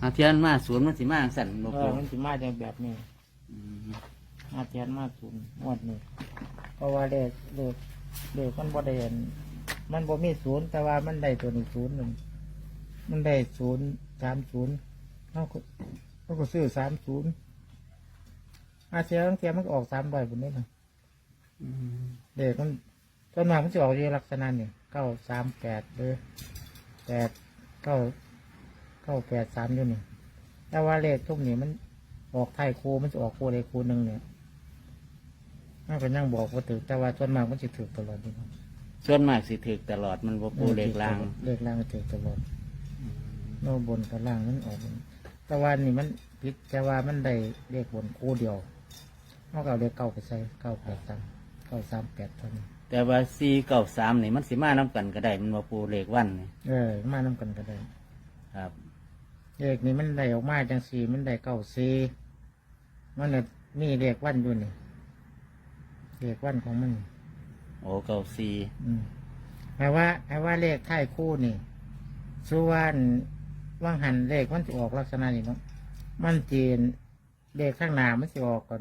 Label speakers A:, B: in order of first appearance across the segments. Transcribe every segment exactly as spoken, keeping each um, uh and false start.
A: อาเทียนมาศูนย์มันสิมาสั่นบ่
B: เอ
A: ปู
B: อมันสิมาจังแบบนี้
A: อืม
B: มาเทียนมาศูนย์งวดนี้เพราะว่าเลขเลขเลขมันบ่ได้เห็นมันบ่มีศูนย์แต่ว่ามันได้ตัวนี้ศูนย์หนึ่งมันได้ศูนย์สามศูนย์เขาก็เขาก็ซื้อสามศูนย์อาเซียนเทียนมันก็ออกสามใบบนนี้นะ
A: อืม
B: เลขมันต้นมามันจะออกอยู่ลักษณะนี่เก้าสามแปดหรือแปดเก้าเก้าแปดสามอยู่นี่แต่ว่าเลขทุกนี้มันออกไทยครูมันจะออกครูใดครูหนึ่งเนี่ยมันก็ยังบอกว่าถือแต่ว่าส่วนมากมันจะถือตลอดนี่ครับ
A: ส่วนมากสิถึกตลอดมันบ่ปูเลขลาง
B: เลขล่างมันถือตลอดโน่บนกับล่างมันออกแต่ว่านี่มันพิษแต่ว่ามันได้เลขบนคู่เดียวนอกจากเลขเก้าไปใส่เก้าแปดสามเก้าสามแปดเท่านี้
A: แต่ว่าสี่เก้าสามนี่มันสิมานํกันก็ได้มันบ่ปูเลขวันนี่
B: เออมาน้ำกันก็ได้
A: ครับ
B: เลขนี้มันได้ออกมาจังสี่มันได้เก้าสี่มันน่ะมีเลขวันอยู่นี่เลขวันของมัน
A: โอ้เก้าสี่
B: อืมแปลว่าแปลว่าเลขท้ายคู่นี่สุวรรณว่างหันเลขมันจะออกลักษณะนี้เนาะมันจีนเลขข้างหน้ามันจะออกก่อน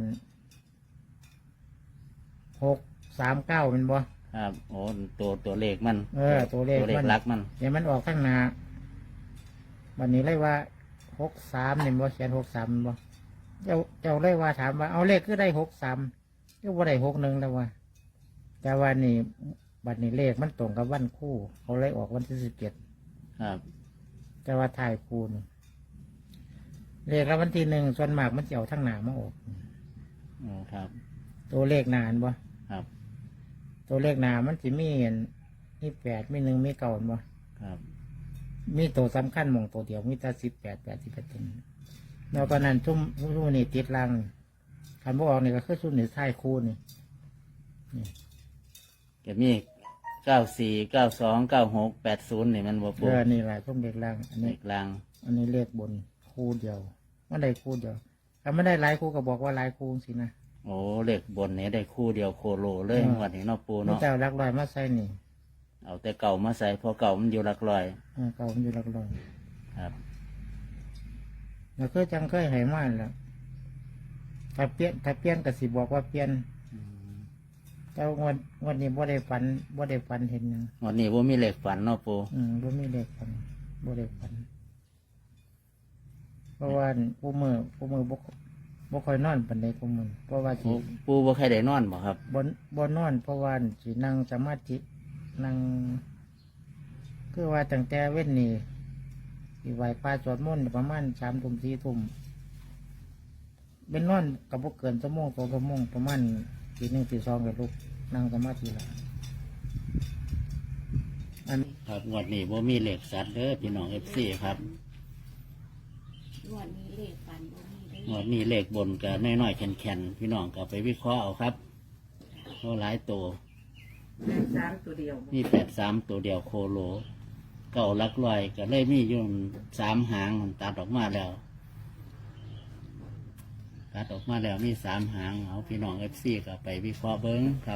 B: หกสามเก้าเป็นบ่
A: ครับโอ้ตัวตัวเลขมัน
B: เออตัวเลข
A: ตัวเล
B: มั
A: ข
B: น
A: หลักมัน
B: เดี๋ยวมันออกข้างหน้าวันนี้เลยว่าหกสามเนี่ยบ่เขียนหกสามบ่เจ้าเจ้าเลยว่าถามว่าเอาเลขก็ได้หกสามก็ว่าได้หกหนึ่งแล้วว่าแต่ว่านี่บัดนี้เลขมันตรงกับวันคู่ เขาเลยออกวันที่สิบเจ็ด
A: ครับ
B: แต่ว่าถ่ายคูณเลขแล้ววันที่หนึ่งส่วนมากมันจะเอาทั้งหนามาออก
A: โอ้ครับ
B: ตัวเลขหนานบ่
A: ครับ
B: ตัวเลขหนามันจะมีเห็นมีแปดมีหนึ่งมีเก้าเห็นบ่
A: ครับ
B: มีตัวสำคัญหมองตัวเดียวมีแต่สิบแปดแปดสิบแปดตัวแล้วก็นั้นชุ่มชุ่มนี่ติดลังคันบ่ออกนี่ก็คือชุ่มนี่ถ่ายคูณนี่นี่
A: ก็มีเก้าสี่เก้าสองเก้าหกแปดศูนย์นี่มันบ่
B: เอ
A: ปู
B: อนี่แหละชุ่มเลขล่างอัน
A: เล
B: นี้
A: ขลาง
B: อันนี้เลขบนคู่เดียวมันได้คู่เดียวถ้าไม่ได้หลายคู่ก็บอกว่าหลายคู่สินะ
A: โอ้เลขบนนี่ได้คู่เดียวโคโลเลย
B: อืม
A: งวันนี้เนาะปู
B: มัน
A: เนาะ
B: จะเอาหลักลอยมาใส่นี่
A: เอาแต่เก่ามาใส่เพอเก่ามันอยู่หลักร้อย
B: เออเก่ามันอยู่หลักลอย
A: ครับ
B: แล้วเคยจังเคยให้มาแล้วถ้าเปลี่ยนถ้าเปลี่ยนก็สิบอกว่าเปลี่ยน
A: อืม
B: แต่ว่างวันวันนี้บ่ได้ฝันบ่ได้ฝันเห็นหยัง
A: งวันนี้ว่ามีเลขฝันเนาะปู
B: อืมบ่มีเลขฝันบ่ได้ฝัน เพราะว่าผู้มือผู้มือบ่บ่ค่อยนอนปานใดผู้มือเพราะว่าสิ
A: ปูปูบ่ใครได้นอนบ่ครับ
B: บ่บ่นอน เพราะว่าสินั่งสมาธินั่งคือว่าตั้งแต่เว้นนี่สิไหว้พระสวดมนต์ประมาณสามทุ่มสี่ทุ่มเป็นนอนก็บ่เกินชั่วโมงสองชั่วโมงประมาณตีหนึ่งตีสองก็ลุกนั่งสมาธิแล้วอัน
A: ครับงวดนี้ว่ามีเลขสัตว์เด้อพี่น้องเอฟซีครับ
C: งวดนี้เลขฝันบ่มีได้
A: งวดนี้เลขบนกับน้อยๆแข็งๆพี่น้องก็ไปวิเคราะห์เอาครับเพราะหลายตัว
C: สามตัวเดียว
A: มีแปดสามตัวเดียวโคโลเก่าหลักลอยก็เลยมีอยู่สามหางมันตัดออกมาแล้วตัดออกมาแล้วมีสามหางเอาพี่น้องเอฟซีก็ไปวิเคราะห์เบิ้งครับ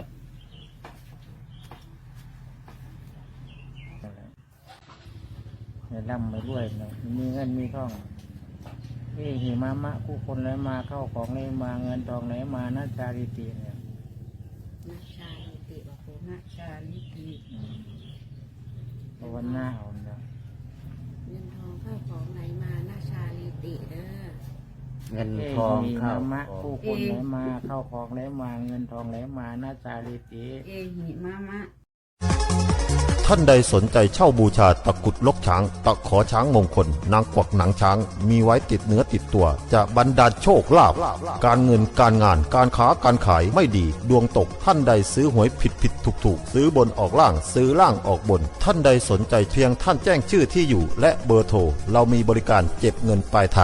B: เนี่ยร่ำไปด้วยเนาะมีเงินมีทองนี่หิมะมะผู้คนไหลมาเข้าของไหลมาเงินทองไหลมานาจาริตีเนี่ย
C: นาชาลิติบอกผมนาชาลิติ
B: ภาวนาเอาเนาะ
C: เงินทองเข้าของไหลมานาชาลิติเด้อ
A: เงิน
B: เอ้
A: ทอง
B: หิ
A: เข้าม
B: ะผู้คนไหลมาเข้าของไหลมาเงินทองไหลมานาจาริตี
C: เอหิมามะ
D: ท่านใดสนใจเช่าบูชาตะกรุดลกช้าง ตะขอช้างมงคล นางกวักหนังช้าง มีไว้ติดเนื้อติดตัว จะบรรดาลโชคลาภการเงินการงานการค้าการขายไม่ดี ดวงตกท่านใดซื้อหวยผิดผิดถูกถูกซื้อบนออกล่างซื้อล่างออกบน ท่านใดสนใจเพียงท่านแจ้งชื่อที่อยู่ และเบอร์โทรเรามีบริการเก็บเงินปลายทาง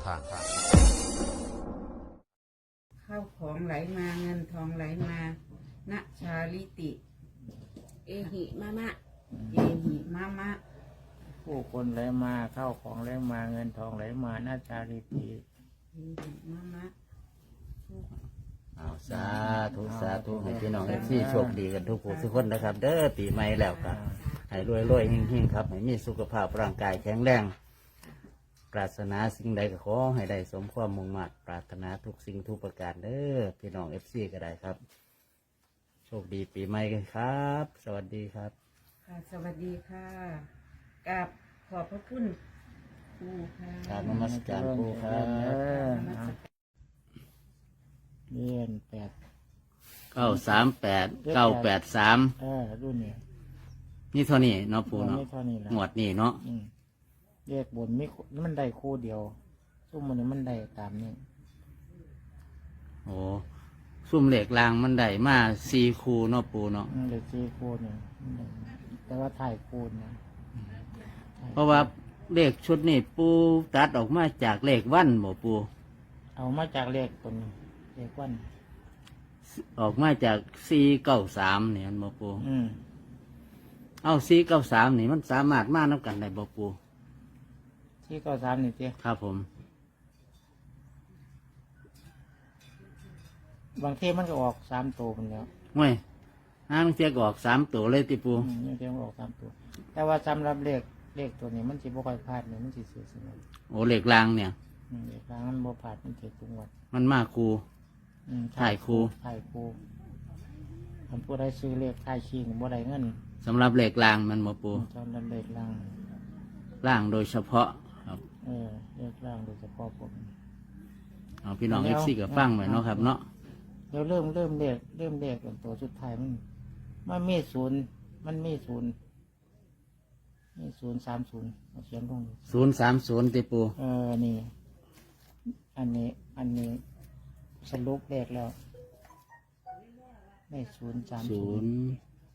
C: เข้าของไหลมาเงินทองไหลมานาชาลิติ เอหิมามะเอหิมามะ
B: ผู้คนไหลมาเข้าของไหลมาเงินทองไหลมานาจาริตี
C: เอหิมามะ
A: เอาสาธุสาธุให้พี่น้องเอฟซีโชคดีกันทุกผู้ทุกคนนะครับ เด้อปีใหม่แล้วครับให้รวยรวยๆเฮงๆครับให้มีสุขภาพร่างกายแข็งแรงรารถนาสิ่งใดก็ขอให้ได้สมความมุ่งมั่นปรารถนาทุกสิ่งทุกประการเด้อพี่น้องเอฟซีก็ได้ครับ โชคดีปีใหม่กันครับ สวัสดีครับ
C: ค่ะสวัสดีค่ะกับขอบพระคุณครูค่ะ
A: กราบนมัสการครูครับ
B: เออเอาเรียนแปด
A: เก้าสามแปดเก้าแปดสาม
B: เออรุ่นนี้
A: นี่เท่านี้เนาะปูเนาะ
B: ไม่เท่านี้ละ
A: หมวดนี่เนาะ
B: อืมแยกบนไม่มันได้คู่เดียวซุ่มมันนี้มันได้ตามนี้
A: โอ้ซุ่มเหล็กรางมันได้มาสี่คูเนาะปูเนาะ
B: มันได้สี่คู่เนี่ยมันได้แต่ว่าถ่ายคู่นะ
A: เพราะว่าเลขชุดนี่ปูตัดออกมาจากเลขวันบ่ปู
B: เอามาจากเลขคนเลขวัน
A: ออกมาจากสี่เก้าสามเนี่ยมันบ่ปู
B: อืม
A: เอาสี่เก้าสามนี่มันสามารถมานับกันได้บ่ปู
B: ที่เก้าสามนี่เจ้
A: ครับผม
B: บางทีมันก็ออกสามตัวมันแล้ว
A: เว้ยห้างเทียกออกสามตัวเลยติปู
B: อืมบางทีมันออกสามตัว แต่ว่าสำหรับเลขเลขตัวนี้มันสิบ่ค่อยพลาดเนี่ยมันสิเสียสมอง
A: โอ้เหล็กรางเนี่ย
B: อืมเลขกลางมันบ่พลาดมันเจ็ดทุกวัน
A: มันมาคู
B: อืม
A: ถ่ายคู่
B: ถ่ายคู่อันผู้ใดซื้อเลขถ่ายขี้บ่ได้เงิน
A: สำหรับเหล็กรางมันบ่ปู
B: จำนำเลขล่าง
A: ร่างโดยเฉพาะครับ
B: เออเลขล่างโดยเฉพาะผม
A: เอาพี่น้อง
B: แล้
A: เอ
B: ว
A: ฟซีกับฟังไว้เนาะครับเนาะ
B: เดี๋ยวเริ่มเริ่มเลขเริ่มเลขตัวสุดท้ายมันมันมีศูนย์มันมีศูนย์มีศูนย์สามศูนย์เอาเขียนลงดิ
A: ศูนย์สามศูนย์ติปู
B: เออนี่ อันนี้อันนี้สรุปเลขแล้วได้ศูนย์สาม
A: ศู
B: ศูน
A: น
B: ย์
A: ย์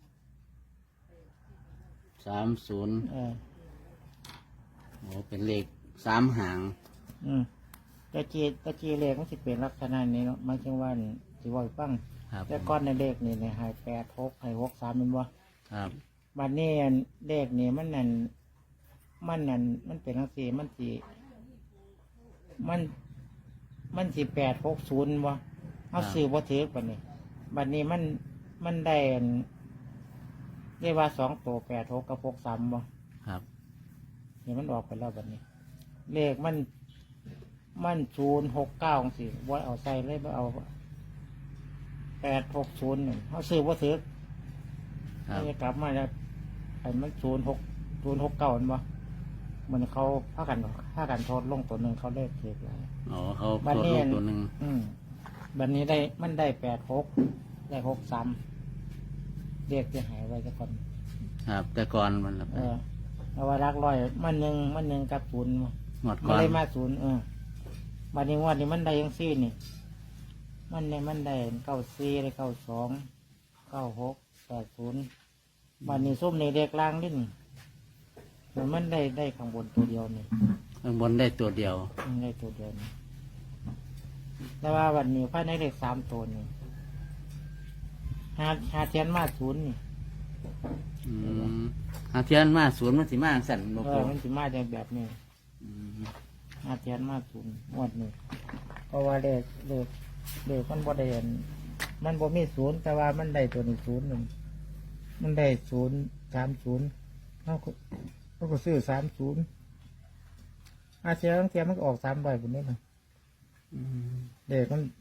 A: สามศูนย์
B: เออ
A: โอ้เป็นเลขสามหาง
B: อืมตะจีตะจีเลขมันสิเป็นลักษณะนี้เนาะหมายถึงว่าสิว่าให้ฟัง
A: ครับ
B: แต่ก้อนในเลขนี่เนี่ยหายแปดหกหายหกสามเป็นบ่
A: ครับ
B: บัดนี้อันเลขนี่มันนั่นมันนั่นมันเป็นลักษณะมันสิมัน มันสิแปดหกศูนย์บ่เอาซื้อบ่ถือบัดนี้บัดนี้มันมันได้อันเรียกว่าสองตัวแปดหกกับหกสามบ่
A: ครับ
B: นี่มันออกไปแล้วบัดนี้ เลขมัน มันศูนย์หกเก้าสิว่าเอาใส่เลยว่าเอาแปดหกศูนย์หนึ่งเขาซื้อว่าถือ
A: ครับ
B: จะกลับมาแล้วไอ้มันศูนย์หกศูนย์หกเก้ามันบ่เหมือนเขาพากันพากันโทษลงตัวหนึ่งเขาเลขเทกแล้ว
A: อ๋อเขา
B: บัด
A: โคตร
B: นี้
A: ลูกตัวหนึ่ง
B: อืมบัดนี้ได้มันได้แปดหกได้หกสามเลขจะหายไว้จะคน
A: ครับ แต่ก่อนมันละ
B: เออเอาว่ารักร้อยมันหนึ่งมันหนึ่งกับศูนย์
A: หมด
B: มั
A: ก่
B: น
A: อน
B: ได้มาศูนย์เออบัดนี้งวันนี้มันได้ยังซี่นี่ มันเนี่ยมันได้เก้าสี่ได้เก้าสองเก้าหกแปดศูนย์บัดนี้ส้มในเด็กล่างนิดนี่มันมันได้ได้ข้างบนตัวเดียวนี่
A: ข้างบนได้ตัวเดียว
B: มันได้ตัวเดียวนี่แต่ว่าวันนี้ภายในเลขสามตัวนี่หาหาเทียนมาศูนย์นี่
A: อืมหาเทียนมาศูนย์มันสิมาสั่นบ่
B: เอ
A: ปู
B: อมันสิมาจากแบบนี้
A: อืม
B: หาเทียนมาศูนย์งวดนี้เพราะว่าเลขเลขเลขมันบ่ได้เห็นมันบ่มีศูนย์แต่ว่ามันได้ตัวนี้ศูนย์หนึ่งมันได้ศูนย์สามศูนย์เขาก็เขาก็ซื้อสามศูนย์อาเทียนเทียนมันก็ออกสามใบบนนี้นะ
A: อืม
B: เด็กมัน